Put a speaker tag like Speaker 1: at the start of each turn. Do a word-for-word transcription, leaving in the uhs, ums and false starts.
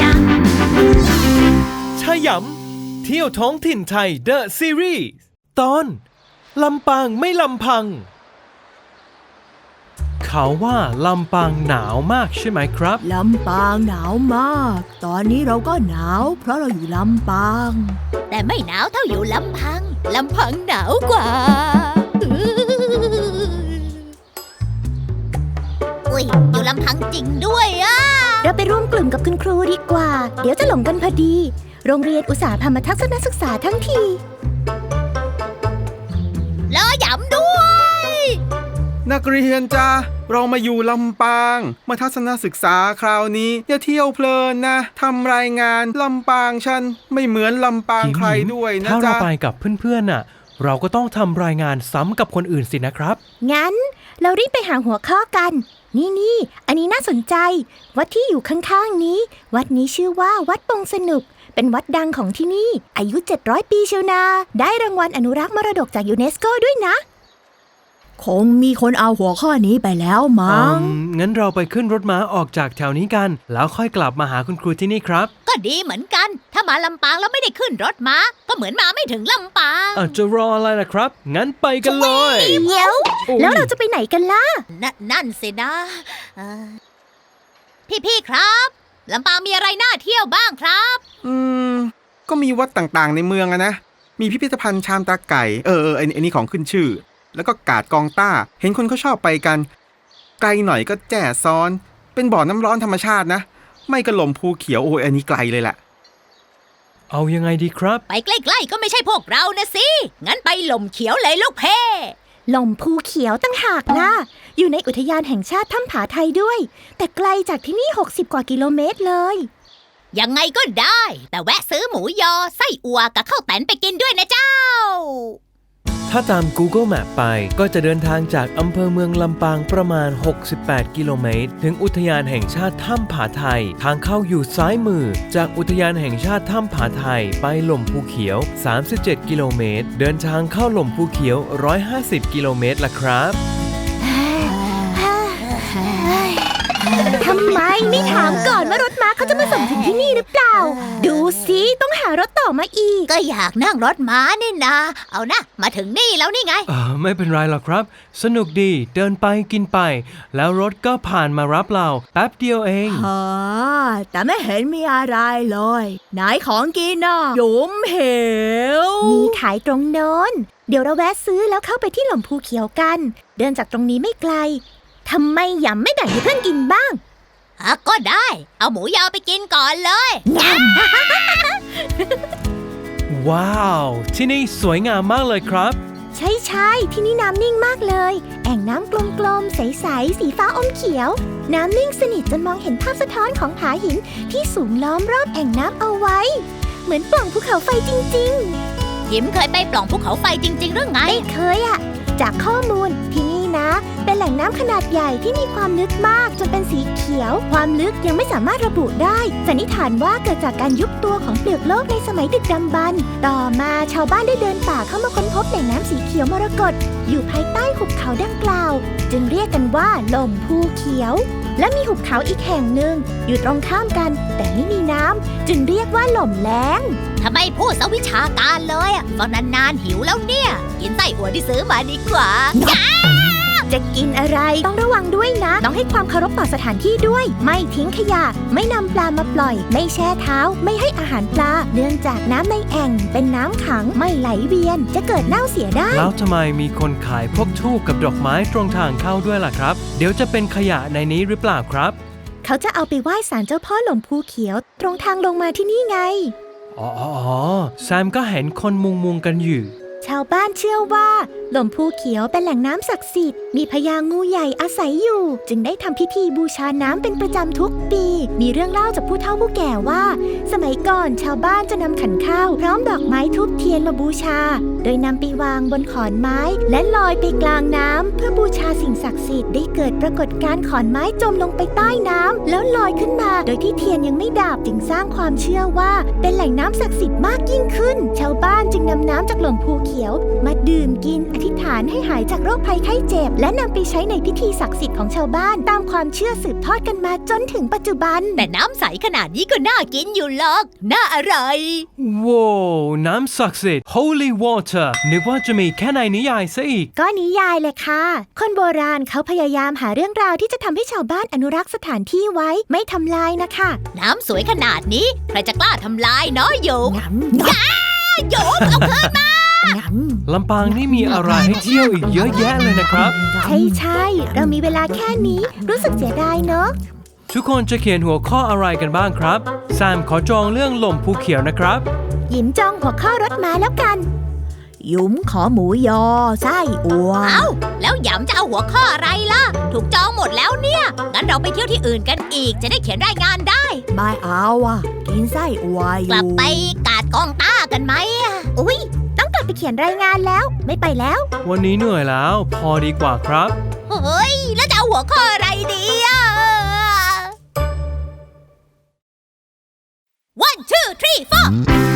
Speaker 1: ชยำเที่ยวท้องถิ่นไทย The Series ตอนลำปางไม่ลำพังเขาว่าลำปางหนาวมากใช่ไหมครับ
Speaker 2: ลำปางหนาวมากตอนนี้เราก็หนาวเพราะเราอยู่ลำปาง
Speaker 3: แต่ไม่หนาวเท่าอยู่ลำพังลำพังหนาวกว่าอุ้ยอยู่ลำพังจริงด้วยอ่ะ
Speaker 2: เราไปร่วมกลุ่มกับคุณครูดีกว่าเดี๋ยวจะหลงกันพอดีโรงเรียนอุตสาหพามาทัศนศึกษาทั้งที
Speaker 3: รอย้ำด้วย
Speaker 4: นักเรียนจ้าเรามาอยู่ลำปางมาทัศนศึกษาคราวนี้อย่าเที่ยวเพลินนะทำรายงานลำปางฉันไม่เหมือนลำปางใครด้วยนะจ๊ะ
Speaker 1: ถ้าเราไปกับเพื่อนๆน่ะเราก็ต้องทำรายงานซ้ำกับคนอื่นสินะครับ
Speaker 2: งั้นเรารีบไปหาหัวข้อกันนี่นี่อันนี้น่าสนใจวัดที่อยู่ข้างๆนี้วัดนี้ชื่อว่าวัดปงสนุกเป็นวัดดังของที่นี่อายุเจ็ดร้อยปีเชียวนาได้รางวัลอนุรักษ์มรดกจากยูเนสโกด้วยนะคงมีคนเอาหัวข้อนี้ไปแล้วมั้ง
Speaker 1: งั้นเราไปขึ้นรถม้าออกจากแถวนี้กันแล้วค่อยกลับมาหาคุณครูที่นี่ครับ
Speaker 3: ก็ดีเหมือนกันถ้ามาลำปางแล้วไม่ได้ขึ้นรถม้าก็เหมือนมาไม่ถึงลำปาง
Speaker 1: อาจจะรออะไรล่ะครับงั้นไปกันเลย
Speaker 2: เดี๋ยวแล้วเราจะไปไหนกันล่ะ
Speaker 3: นนั่นสินะพี่ๆครับลำปางมีอะไรน่าเที่ยวบ้างครับ
Speaker 4: อืมก็มีวัดต่างๆในเมืองอะนะมีพิพิธภัณฑ์ชามตาไก่เออเออไอ้นี่ของขึ้นชื่อแล้วก็กาดกองต้าเห็นคนเขาชอบไปกันไกลหน่อยก็แจ่ซ้อนเป็นบ่อน้ำร้อนธรรมชาตินะไม่กระหล่มภูเขียวโอ้ยอันนี้ไกลเลยแหละ
Speaker 1: เอายังไงดีครับ
Speaker 3: ไปใกล้ๆก็ไม่ใช่พวกเรานะสิงั้นไปหล่มเขียวเลยลูกเพ่
Speaker 2: หล่มภูเขียวตั้งหากนะอยู่ในอุทยานแห่งชาติถ้ำผาไทยด้วยแต่ไกลจากที่นี่หกสิบกว่ากิโลเมตรเลย
Speaker 3: ยังไงก็ได้แต่แวะซื้อหมูยอไส้อั่วกับข้าวแตนไปกินด้วยนะเจ้า
Speaker 1: ถ้าตาม Google Map ไปก็จะเดินทางจากอำเภอเมืองลำปางประมาณหกสิบแปดกิโลเมตรถึงอุทยานแห่งชาติถ้ำผาไทยทางเข้าอยู่ซ้ายมือจากอุทยานแห่งชาติถ้ำผาไทยไปหล่มภูเขียวสามสิบเจ็ดกิโลเมตรเดินทางเข้าหล่มภูเขียวหนึ่งร้อยห้าสิบกิโลเมตรล่ะครับ
Speaker 2: ทำไมไม่ถามก่อนว่ารถม้าเขาจะมาส่งถึงที่นี่หรือเปล่าดูสิต้องหารถต่อมาอีก
Speaker 3: ก็อยากนั่งรถม้านี่นะเอานะมาถึงนี่แล้วนี่ไง
Speaker 1: อ่าไม่เป็นไรหรอกครับสนุกดีเดินไปกินไปแล้วรถก็ผ่านมารับเราแป๊บเดียวเอง
Speaker 2: ฮะแต่ไม่เห็นมีอะไรเลยไหนของกินน่ะยุ้มเหวมีขายตรงโน้นเดี๋ยวเราแวะซื้อแล้วเข้าไปที่หล่มภูเขียวกันเดินจากตรงนี้ไม่ไกลทำไมยำไม่แบ่งให้เพื่อนกินบ้าง
Speaker 3: อ่ะก็ได้เอาหมูยอไปกินก่อนเลย
Speaker 1: ว้าวที่นี่สวยงามมากเลยครับ
Speaker 2: ใช่ใช่ที่นี่น้ำนิ่งมากเลยแอ่งน้ำกลมๆใสๆสีฟ้าอมเขียวน้ำนิ่งสนิทจนมองเห็นภาพสะท้อนของผาหินที่สูงล้อมรอบแอ่งน้ำเอาไว้เหมือนปล่องภูเขาไฟจริง
Speaker 3: ๆยิ้มเคยไปปล่องภูเขาไฟจริงๆหรือไง
Speaker 2: ไม่เคยอะจากข้อมูลที่นี่นะเป็นแหล่งน้ำขนาดใหญ่ที่มีความลึกมากจนเป็นสีเขียวความลึกยังไม่สามารถระบุได้สันนิษฐานว่าเกิดจากการยุบตัวของเปลือกโลกในสมัยดึกดำบรรพ์ต่อมาชาวบ้านได้เดินป่าเข้ามาค้นพบแหล่งน้ำสีเขียวมรกตอยู่ภายใต้หุบเขาดังกล่าวจึงเรียกกันว่าหล่มภูเขียวและมีหุบเขาอีกแห่งหนึ่งอยู่ตรงข้ามกันแต่ไม่มีน้ำจึงเรียกว่าหล่มแล้ง
Speaker 3: ทำไมพูดสวิชาการเลยอ่ะฟังนานๆหิวแล้วเนี่ยกินไส้อั่วที่ซื้อมาดีกว่า
Speaker 2: จะกินอะไรต้องระวังด้วยนะต้องให้ความเคารพต่อสถานที่ด้วยไม่ทิ้งขยะไม่นำปลามาปล่อยไม่แช่เท้าไม่ให้อาหารปลาเนื่องจากน้ำในแอ่งเป็นน้ำขังไม่ไหลเวียนจะเกิดเน่าเสียได้
Speaker 1: แล้วทำไมมีคนขายพวกธูปกับดอกไม้ตรงทางเข้าด้วยล่ะครับเดี๋ยวจะเป็นขยะในนี้หรือเปล่าครับ
Speaker 2: เขาจะเอาไปไหว้ศาลเจ้าพ่อหล่มภูเขียวตรงทางลงมาที่นี่ไง
Speaker 1: อ๋อแซมก็เห็นคนมุงมุงกันอยู่
Speaker 2: ชาวบ้านเชื่อว่าหล่มภูเขียวเป็นแหล่งน้ำศักดิ์สิทธิ์มีพญางูใหญ่อาศัยอยู่จึงได้ทำพิธีบูชาน้ำเป็นประจำทุกปีมีเรื่องเล่าจากผู้เฒ่าผู้แก่ว่าสมัยก่อนชาวบ้านจะนำขันข้าวพร้อมดอกไม้ทูบเทียนมาบูชาโดยนำไปวางบนขอนไม้และลอยไปกลางน้ำเพื่อบูชาสิ่งศักดิ์สิทธิ์ได้เกิดปรากฏการณ์ขอนไม้จมลงไปใต้น้ำแล้วลอยขึ้นมาโดยที่เทียนยังไม่ดับจึงสร้างความเชื่อว่าเป็นแหล่งน้ำศักดิ์สิทธิ์มากยิ่งขึ้นชาวบ้านจึงนำน้ำจากหล่มภูเขียวมาดื่มกินอธิษฐานให้หายจากโรคภัยไข้เจ็บและนำไปใช้ในพิธีศักดิ์สิทธิ์ของชาวบ้านตามความเชื่อสืบทอดกันมาจนถึงปัจจุบัน
Speaker 3: แต่น้ำใสขนาดนี้ก็น่ากินอยู่หรอกน่าอร่อย
Speaker 1: ว้าวน้ำศักดิ์สิทธิ์ Holy Water นึกว่าจะมีแค่ในนิยายซะอีก
Speaker 2: ก็นิยายเลยค่ะคนโบราณเขาพยายามหาเรื่องราวที่จะทำให้ชาวบ้านอนุรักษ์สถานที่ไว้ไม่ทำลายนะคะ
Speaker 3: น้ำสวยขนาดนี้ใครจะกล้าทำลายเนาะโยมย้าโยมเอาคืนมา
Speaker 1: ลำปางนี่มีอะไรให้เที่ยวอีกเยอะแยะเลยนะครับ
Speaker 2: ใช่ใช่เรามีเวลาแค่นี้รู้สึกเสียดายเนอะ
Speaker 1: ทุกคนจะเขียนหัวข้ออะไรกันบ้างครับแซมขอจองเรื่องหล่มภูเขียวนะครับ
Speaker 2: หยิมจองหัวข้อรถม้าแล้วกัน
Speaker 3: ยุ้มขอหมูยอไส้อั่วเอ้าแล้วหยำจะเอาหัวข้ออะไรล่ะถูกจองหมดแล้วเนี่ยงั้นเราไปเที่ยวที่อื่นกันอีกจะได้เขียนรายงานได้
Speaker 5: ไม่เอาอ่ะกินไส้อั่วอยู่
Speaker 3: กลับไปกาดกองต้ากันไหม
Speaker 2: อุ๊ยต้องกลับไปเขียนรายงานแล้วไม่ไปแล้ว
Speaker 1: วันนี้เหนื่อยแล้วพอดีกว่าครับ
Speaker 3: เฮ้ยแล้วจะเอาหัวข้ออะไรดีอ่ะ one two three four